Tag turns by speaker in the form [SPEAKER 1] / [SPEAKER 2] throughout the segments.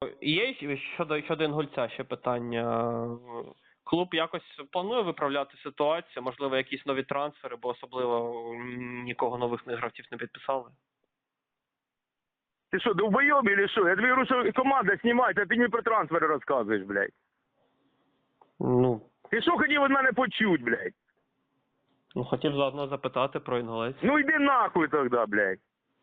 [SPEAKER 1] Є щодо Інгульця ще питання. Клуб якось планує виправляти ситуацію, можливо, якісь нові трансфери, бо особливо нікого нових гравців не підписали.
[SPEAKER 2] Ти що, довбойоб или що? Я тобі говорю, що команда знімається, а ти мені про трансфери розказуєш, блядь.
[SPEAKER 1] Ну,
[SPEAKER 2] Ти що хотів від мене почуть, блядь?
[SPEAKER 1] хотів заодно запитати про Інгулець.
[SPEAKER 2] Ну йди нахуй тоді, блядь.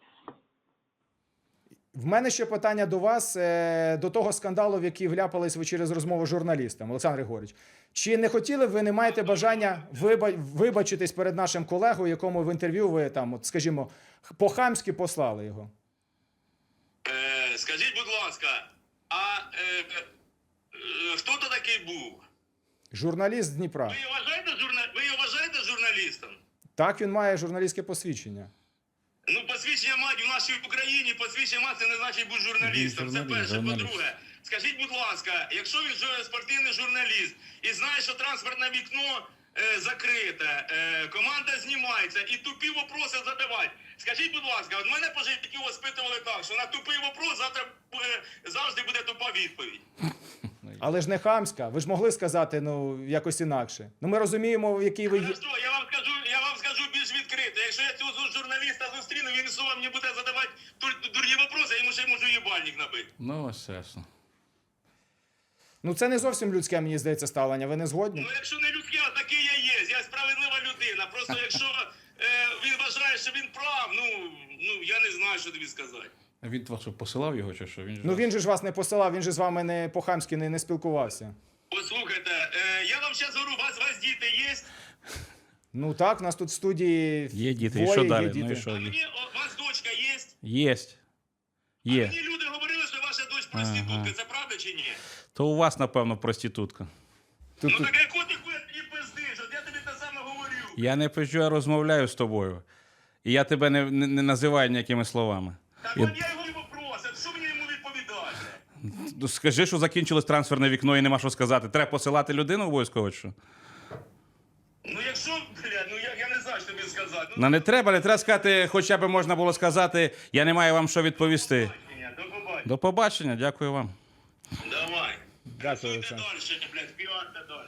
[SPEAKER 3] В мене ще питання до вас, до того скандалу, в який вляпались ви через розмову з журналістом, Олександр Григорович. Чи не хотіли ви, не маєте бажання вибачитись перед нашим колегою, якому в інтерв'ю ви там, от, скажімо, по-хамськи послали його?
[SPEAKER 4] Скажіть, будь ласка, а хто то такий був?
[SPEAKER 3] Журналіст з Дніпра.
[SPEAKER 4] Ви його вважаєте журналістом?
[SPEAKER 3] Так, він має журналістське посвідчення.
[SPEAKER 4] Ну, посвідчення мають в нашій Україні, посвідчення мати не значить бути журналістом. Це перше. По-друге, скажіть, будь ласка, якщо він спортивний журналіст і знає, що транспортне вікно закрите, команда знімається і тупі вопроси задавати. Скажіть, будь ласка, от мене по життю воспитували так, що на тупий вопрос завжди буде тупа відповідь.
[SPEAKER 3] Але ж не хамська. Ви ж могли сказати, ну, якось інакше. Ну, ми розуміємо, в який ви є.
[SPEAKER 4] Я вам скажу більш відкрито. Якщо я цього журналіста зустріну, він знову мені буде задавати дурні вопроси, я йому ще можу їбальник набити.
[SPEAKER 5] Ну, ось ясно.
[SPEAKER 3] Ну, це не зовсім людське, мені здається, ставлення. Ви не згодні?
[SPEAKER 4] Ну, якщо не людське, а такий я є. Я справедлива людина. Просто якщо він вважає, що він прав, ну, я не знаю, що тобі сказати.
[SPEAKER 5] А він вас що, посилав його чи що?
[SPEAKER 3] Ну, він же ж вас не посилав, він же з вами не по-хамськи не спілкувався.
[SPEAKER 4] Послухайте, я вам зараз говорю, у вас діти є?
[SPEAKER 3] Ну так, у нас тут в студії
[SPEAKER 5] Є діти, і
[SPEAKER 3] двоє,
[SPEAKER 5] що
[SPEAKER 3] є
[SPEAKER 5] далі?
[SPEAKER 3] діти.
[SPEAKER 5] Ну і що?
[SPEAKER 4] У вас дочка є?
[SPEAKER 5] Єсть. Є.
[SPEAKER 4] Мені люди говорили, що ваша дочь проститутка. Це правда чи ні?
[SPEAKER 5] То у вас, напевно, проститутка.
[SPEAKER 3] Тут,
[SPEAKER 4] Ну так яку ти хуй мені пиздиш? От я тобі те саме говорю.
[SPEAKER 5] Я не пишу, я розмовляю з тобою. І я тебе не називаю ніякими словами.
[SPEAKER 4] Так от я його і вопросив, що мені йому відповідати?
[SPEAKER 5] Ну, скажи, що закінчилось трансферне вікно і нема що сказати. Треба посилати людину обов'язково, чи що?
[SPEAKER 4] Ну якщо, блядь, я не знаю, що тобі сказати.
[SPEAKER 5] Ну, не треба сказати, хоча б можна було сказати, я не маю вам що відповісти.
[SPEAKER 4] До побачення.
[SPEAKER 5] До побачення, дякую вам.
[SPEAKER 4] Давай.
[SPEAKER 3] Дякую,
[SPEAKER 4] Працюйте
[SPEAKER 3] Олександр.
[SPEAKER 4] далі, блядь, піарте далі.